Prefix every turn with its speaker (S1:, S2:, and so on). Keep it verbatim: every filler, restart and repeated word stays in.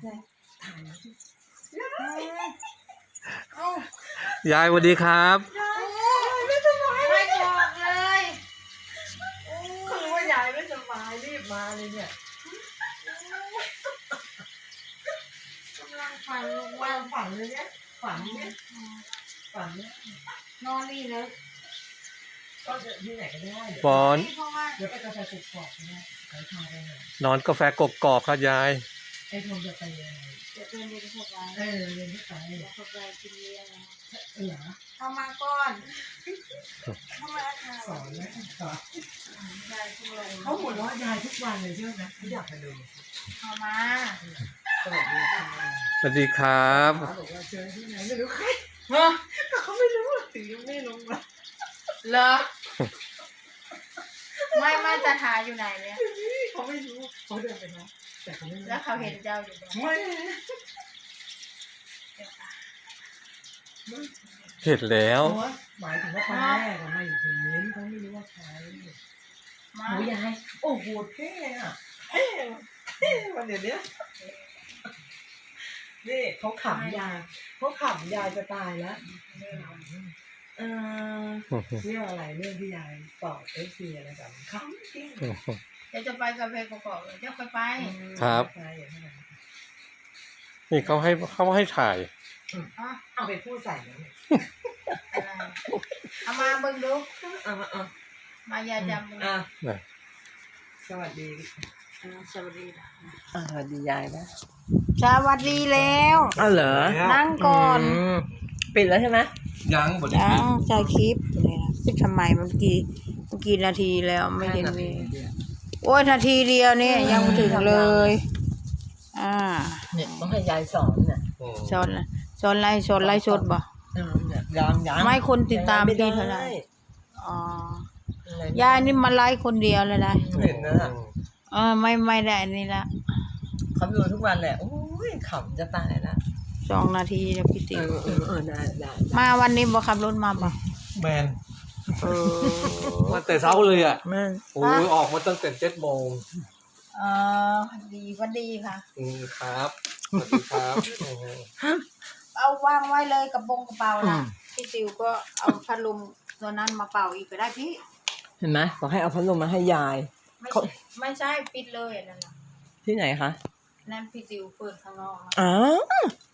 S1: ถ่ายนะ
S2: ยายสวัสดีครับ
S1: ไม่สบายไม่บอกเลยเขารู้ว่ายายไม่สบายรีบมาเลยเนี่ยกำลังฝันลงวางฝันเลยเนี่ยฝันเนี่ยฝันเนี่ยนอนนี่เลยก็จะที่ไหนก็ได้
S2: ปอน
S1: เดี๋ยวไปกาแฟกรอบๆนะขอทานไปหน่อย
S2: นอนกาแฟกกอกครับยาย
S1: ไอ้ทงจะไปยังไงจะเป็นเรียนเข้าไปเออเรียนเข้าไปเข้าไปกินเรียนเหรอเข้ามาก่อนเข้ามาสอนนะสอนเขาหัวเราะยายทุกวันเลยใช่ไหมเขาอยากมาดูเข้ามาสวัสดีค่ะ
S2: สวัสดีครับ
S1: บอกว่าเจอที่ไหนไม่รู้ใครฮะเขาไม่รู้ถึงยังไม่ลงมาเหรอไม่ไม่จะหาอยู่ไหนเนี่ยเขาไม่รู้เขาเดินไปนะแต่เขาไม่รู้แล้วเขาเห็นเจ้าอยู่ไหม
S2: เห็นแล้ว
S1: หมายถึงว่าคนแรกไม่เห็นเขาไม่รู้ว่าใครโอ้ยายโอ้โหเท่อะเท่เท่วันเดี๋ยวนี้นี่เขาขำยายเขาขำยายจะตายแล้วเออเรื่องอะไรเรื่องที่ยายตอบเอฟซีอะไรแบบขำจริงเดี๋ยวจะไปกาแฟกรอบๆเดี๋ยวค่อยไป
S2: ครับนี่เขาให้เขาให้ถ่าย
S1: เอาไปพูดใส่แล้วเอามาเบิ่งดูเอามาเอามายาจำมึงสวัสดีสวัสดีสวัสดียายนะ
S3: สวัสดีแล้ว
S1: อ๋อเหรอ
S3: นั่งก่อน
S1: ปิดแล้วใช่ไหม
S2: ยังบด
S3: ยังใช้คลิปเลยนะปิดทำไมเมื่อกี้เมื่อกี้นาทีแล้วไม่เห็นมีโอ้ยนาทีเดียวนี่ยังไม่ถึงเลยอ่า
S1: เนี่ยต้องให้ยายสอนเนี่ย
S3: สอนสอนไล่สอนไล่สดบ่
S1: ยังยัง
S3: ไม่คนติดตามพี่เท่าไหร่อ๋อยายนี่มาไล่คนเดียวเลยนะ
S1: เห็นนะ
S3: เออไม่ไม่ได้นี่ละ
S1: เขาดูทุกวันแหละโอ้ยขำจะตายละ
S3: สองนาทีแล้วพี่ติ๋ว
S1: เออเออได้ได้
S3: มาวันนี้บ่ขับรถมาบ่
S2: แมนเออมาแต่เช้าเลยอ่ะ
S1: แม่
S2: โอ้ยออกมาตั้งแต่เจ็ดโมง
S3: เออดีวันดีค่ะ
S2: อืมครับสวัสดีครับ
S3: เอาวางไว้เลยกับบงกระเป๋านะพี่ติ๋วก็เอาพัดลมตัวนั้นมาเป่าอีกก็ได้พี่
S1: เห็นไหมบอกให้เอาพัดลมมาให้ยาย
S3: ไม่ไม่ใช่ปิดเลยนั่นน่ะ
S1: ที่ไหนคะ
S3: นั่นพี่ติ๋วเปิดข้างนอก
S1: อ๋อ